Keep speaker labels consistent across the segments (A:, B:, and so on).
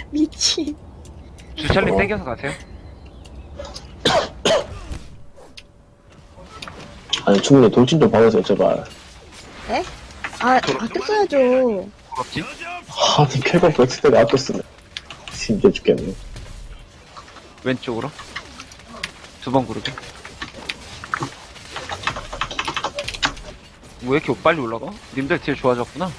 A: 미친.
B: 주철님 땡겨서 가세요.
C: 아니 충분히 돌진 좀 박으세요 제발.
A: 에? 아꼈어야죠.
B: 부럽지?
C: 아니 쾌감 엑스 때가 아꼈으네. 힘들어 죽겠네.
B: 왼쪽으로. 두 번 구르게. 왜 이렇게 빨리 올라가? 님들 딜 좋아졌구나.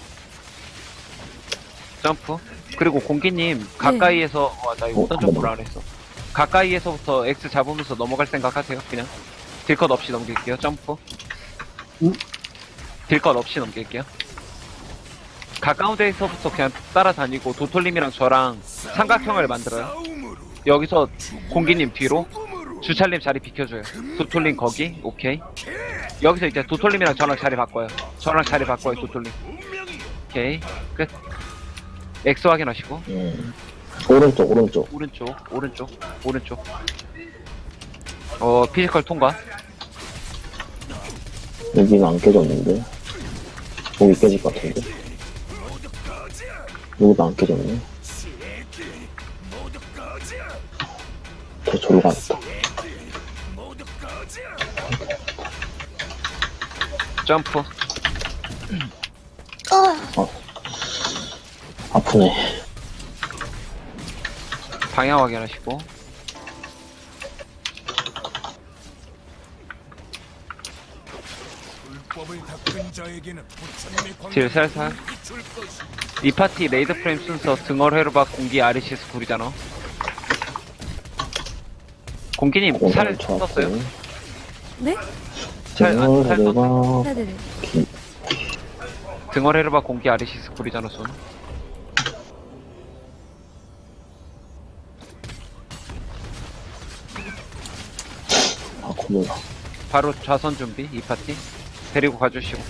B: 점프. 그리고 공기님 가까이에서 나 이거 어떤 점프를 안 했어. 가까이에서부터 X 잡으면서 넘어갈 생각하세요. 그냥 딜컷 없이 넘길게요. 점프.
C: 응?
B: 딜컷 없이 넘길게요. 가까운 데에서부터 그냥 따라다니고 도톨님이랑 저랑 삼각형을 만들어요. 여기서 공기님 뒤로 주찰님 자리 비켜줘요. 도톨님 거기 오케이. 여기서 이제 도톨님이랑 저랑 자리 바꿔요. 저랑 자리 바꿔요. 도톨님 오케이 끝. X 확인하시고
C: 오른쪽
B: 오른쪽 피지컬 통과.
C: 여기는 안 깨졌는데 여기 깨질 것 같은데 여기도 안 깨졌네. 저 저로 갔다.
B: 점프.
C: 아프네.
B: 방향 확인하시고 딜 살살. 이 파티 레이드 프레임 순서 등월 회로박 공기 아리시스 굴이잖아. 공기님 살 썼어요?
A: 네?
B: 살 썼어?
A: 네네네.
B: 등월 회로박 공기 아리시스 굴이잖아 손.
C: 아 고마워.
B: 바로 좌선 준비. 이 파티 데리고 가주시고.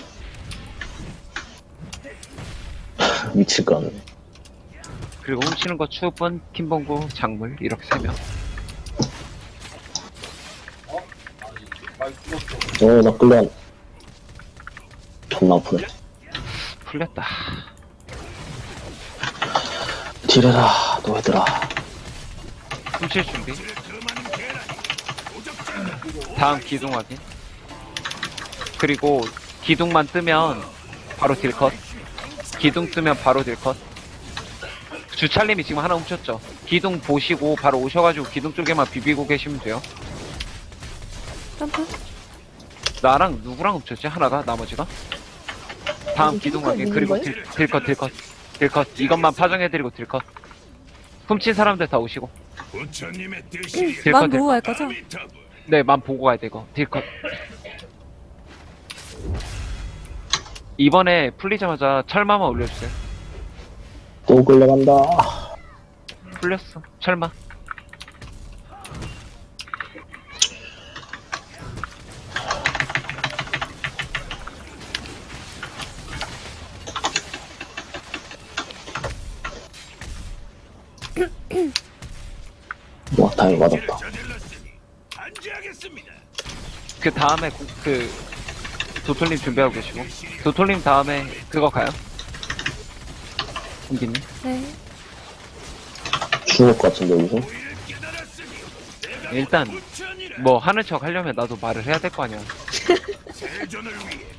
C: 미칠 거 같네.
B: 그리고 훔치는 거 추분, 킴봉구, 작물 이렇게 3명.
C: 나 끌려. 존나 아프네.
B: 풀렸다.
C: 딜해라 너희들아.
B: 훔칠 준비. 다음 기둥 확인. 그리고 기둥만 뜨면 바로 딜컷. 기둥 뜨면 바로 딜컷. 주찰님이 지금 하나 훔쳤죠. 기둥 보시고 바로 오셔가지고 기둥 쪽에만 비비고 계시면 돼요.
A: 점프.
B: 나랑 누구랑 훔쳤지? 하나가? 나머지가? 다음 기둥 확인. 그리고 딜컷. 이것만 파정해드리고 딜컷. 훔친 사람들 다 오시고.
A: 만 보고 갈 거죠?
B: 네, 만 보고 가야 돼, 이거. 딜컷. 이번에 풀리자마자 철마만 올려주세요.
C: 또 끌려간다.
B: 풀렸어. 철마.
C: 와 다행히 맞았다.
B: 그 다음에 도톨님 준비하고 계시고. 도톨님 다음에 그거 가요? 공기님.
A: 네.
C: 죽을 것 같은데 여기서.
B: 일단 뭐 하는 척 하려면 나도 말을 해야 될 거 아니야.